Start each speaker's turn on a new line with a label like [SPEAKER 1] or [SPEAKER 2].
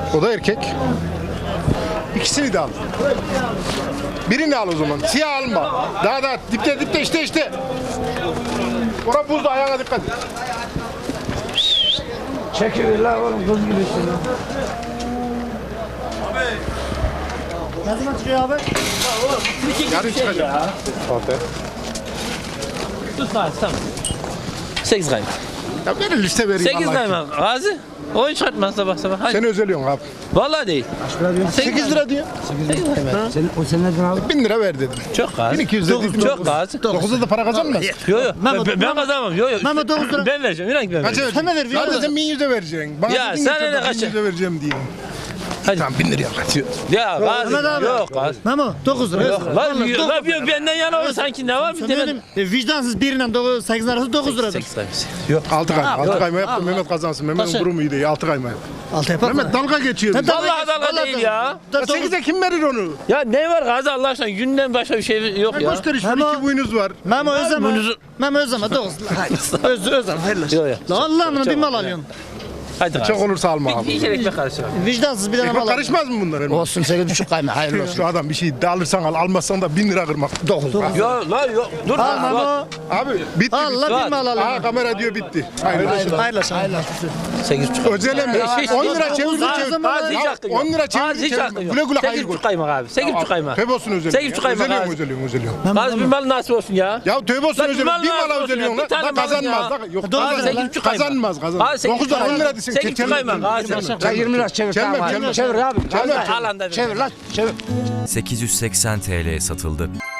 [SPEAKER 1] O da erkek. İkisini de al. Birini al o zaman. Siyah alma. Daha dipte işte. Orada buzda, ayağına dikkat et.
[SPEAKER 2] Çekiver la oğlum, kız gibisin.
[SPEAKER 3] Ne zaman çıkıyor abi?
[SPEAKER 1] Yarın çıkacak.
[SPEAKER 4] Sus lan tamam. 8 kaymak.
[SPEAKER 1] Ya verin liste vereyim.
[SPEAKER 4] 8
[SPEAKER 1] Allah için.
[SPEAKER 4] kaymak. Gazi. Oyun çıkartmaz sabah sabah. Hadi.
[SPEAKER 1] Sen özeliyorsun abi.
[SPEAKER 4] Vallahi değil.
[SPEAKER 1] 8 lira diyor.
[SPEAKER 2] O sen neden aldın?
[SPEAKER 1] 1000 lira ver dedim.
[SPEAKER 4] Çok Gazi.
[SPEAKER 1] 1200 dedim.
[SPEAKER 4] Çok Gazi.
[SPEAKER 1] 9'da da para kazanmaz.
[SPEAKER 4] Yo. Ben kazanmam. Yo.
[SPEAKER 3] Mehmet 9 lira.
[SPEAKER 4] Ben vereceğim. İnan ki ben
[SPEAKER 1] Kaça
[SPEAKER 4] vereceğim.
[SPEAKER 1] vereceksin?
[SPEAKER 3] Sen ne ver?
[SPEAKER 1] Zaten sen 1100'e vereceksin. Bana
[SPEAKER 4] Ya
[SPEAKER 1] dedin
[SPEAKER 4] sen
[SPEAKER 1] ki
[SPEAKER 4] ne kaça?
[SPEAKER 1] 1100'e vereceğim diye.
[SPEAKER 4] Hadi.
[SPEAKER 1] Tamam 1000 liraya kaçıyor.
[SPEAKER 4] Ya Gazi.
[SPEAKER 3] Mehmet abi.
[SPEAKER 4] Yok Gazi.
[SPEAKER 3] Memo 9 lira.
[SPEAKER 4] Yok benden yana olur sanki ne var bir
[SPEAKER 3] Sen
[SPEAKER 4] de
[SPEAKER 3] dedim vicdansız birinden 8 arası 9 lira.
[SPEAKER 4] 8 kaymak.
[SPEAKER 1] Yok 6 kayma. 6 kayma yaptım. Mehmet kazansın. Mehmet'in
[SPEAKER 3] Kaça?
[SPEAKER 1] durumu iyi değil. 6 kayma yap.
[SPEAKER 3] 6 yapar mı?
[SPEAKER 1] Mehmet dalga geçiyor. bize.
[SPEAKER 4] Vallahi dalga değil ya.
[SPEAKER 1] 8'e kim verir onu?
[SPEAKER 4] Ya ne var Gazi Allah aşkına günden başka bir şey yok ya.
[SPEAKER 1] Göster işte.
[SPEAKER 3] Memo-
[SPEAKER 1] 2 boyunuz var.
[SPEAKER 3] Memo özleme.
[SPEAKER 4] Boynuzu-
[SPEAKER 3] Memo özleme 9 lira. Hayır. Özleme hayırlı.
[SPEAKER 4] Yok yok.
[SPEAKER 3] La Allah'ım bir mal alıyorsun.
[SPEAKER 4] Hadi
[SPEAKER 1] Çok olursa alma
[SPEAKER 4] Bir
[SPEAKER 1] abi.
[SPEAKER 4] iki ekmek karıştır.
[SPEAKER 3] Vicdansız bir tane mal
[SPEAKER 1] Ekmek
[SPEAKER 3] alıyorsun.
[SPEAKER 1] karışmaz mı bunlar?
[SPEAKER 2] Olsun 8,5 kayma, hayırlı olsun.
[SPEAKER 1] Şu adam bir şey de alırsan al, almazsan da 1000 lira kırmak.
[SPEAKER 2] 9.
[SPEAKER 4] Yok lan yok. Dur.
[SPEAKER 3] Al Memo.
[SPEAKER 1] Abi bitti.
[SPEAKER 3] Allah bir mal
[SPEAKER 1] Aha
[SPEAKER 3] alıyorsun.
[SPEAKER 1] kamera diyor bitti. Hayırlı olsun.
[SPEAKER 3] Hayırlı olsun.
[SPEAKER 4] 8,5.
[SPEAKER 1] Özelem mi? 10 lira çevir.
[SPEAKER 4] Gazi hiç hakkın yok.
[SPEAKER 1] 10 lira
[SPEAKER 4] Gazi hiç
[SPEAKER 1] çevir.
[SPEAKER 4] hakkın yok.
[SPEAKER 1] Güle güle hayır
[SPEAKER 4] 8,5
[SPEAKER 1] koy.
[SPEAKER 4] kaymak abi. 8,5 kaymak.
[SPEAKER 1] Tövbe olsun özelem.
[SPEAKER 4] 8,5 kaymak abi.
[SPEAKER 1] Özeliyorum.
[SPEAKER 4] Gazi bir mal nasip olsun ya.
[SPEAKER 1] Ya tövbe olsun
[SPEAKER 4] Lan bir
[SPEAKER 1] özelem.
[SPEAKER 4] mal
[SPEAKER 1] Bir
[SPEAKER 4] nasip
[SPEAKER 1] mala
[SPEAKER 4] olsun ya.
[SPEAKER 1] özeliyorsun
[SPEAKER 4] Bir
[SPEAKER 1] lan.
[SPEAKER 4] tane
[SPEAKER 1] Bak
[SPEAKER 4] malın
[SPEAKER 1] kazanmaz.
[SPEAKER 4] ya.
[SPEAKER 1] Bak, yok
[SPEAKER 3] Doğru
[SPEAKER 4] Gazi
[SPEAKER 3] söyle.
[SPEAKER 4] 8,5 kaymak.
[SPEAKER 1] Kazanmaz.
[SPEAKER 4] Gazi 8,5
[SPEAKER 1] 9'dan 10 lira desin.
[SPEAKER 4] 8,5 kaymak. Gazi.
[SPEAKER 2] Ya 20 lira çevir.
[SPEAKER 1] Gelmem,
[SPEAKER 2] tamam.
[SPEAKER 1] gelmem.
[SPEAKER 2] Çevir abi.
[SPEAKER 1] Gelmem.
[SPEAKER 4] Alanda.
[SPEAKER 2] Çevir lan, çevir.
[SPEAKER 5] 880 TL'ye satıldı.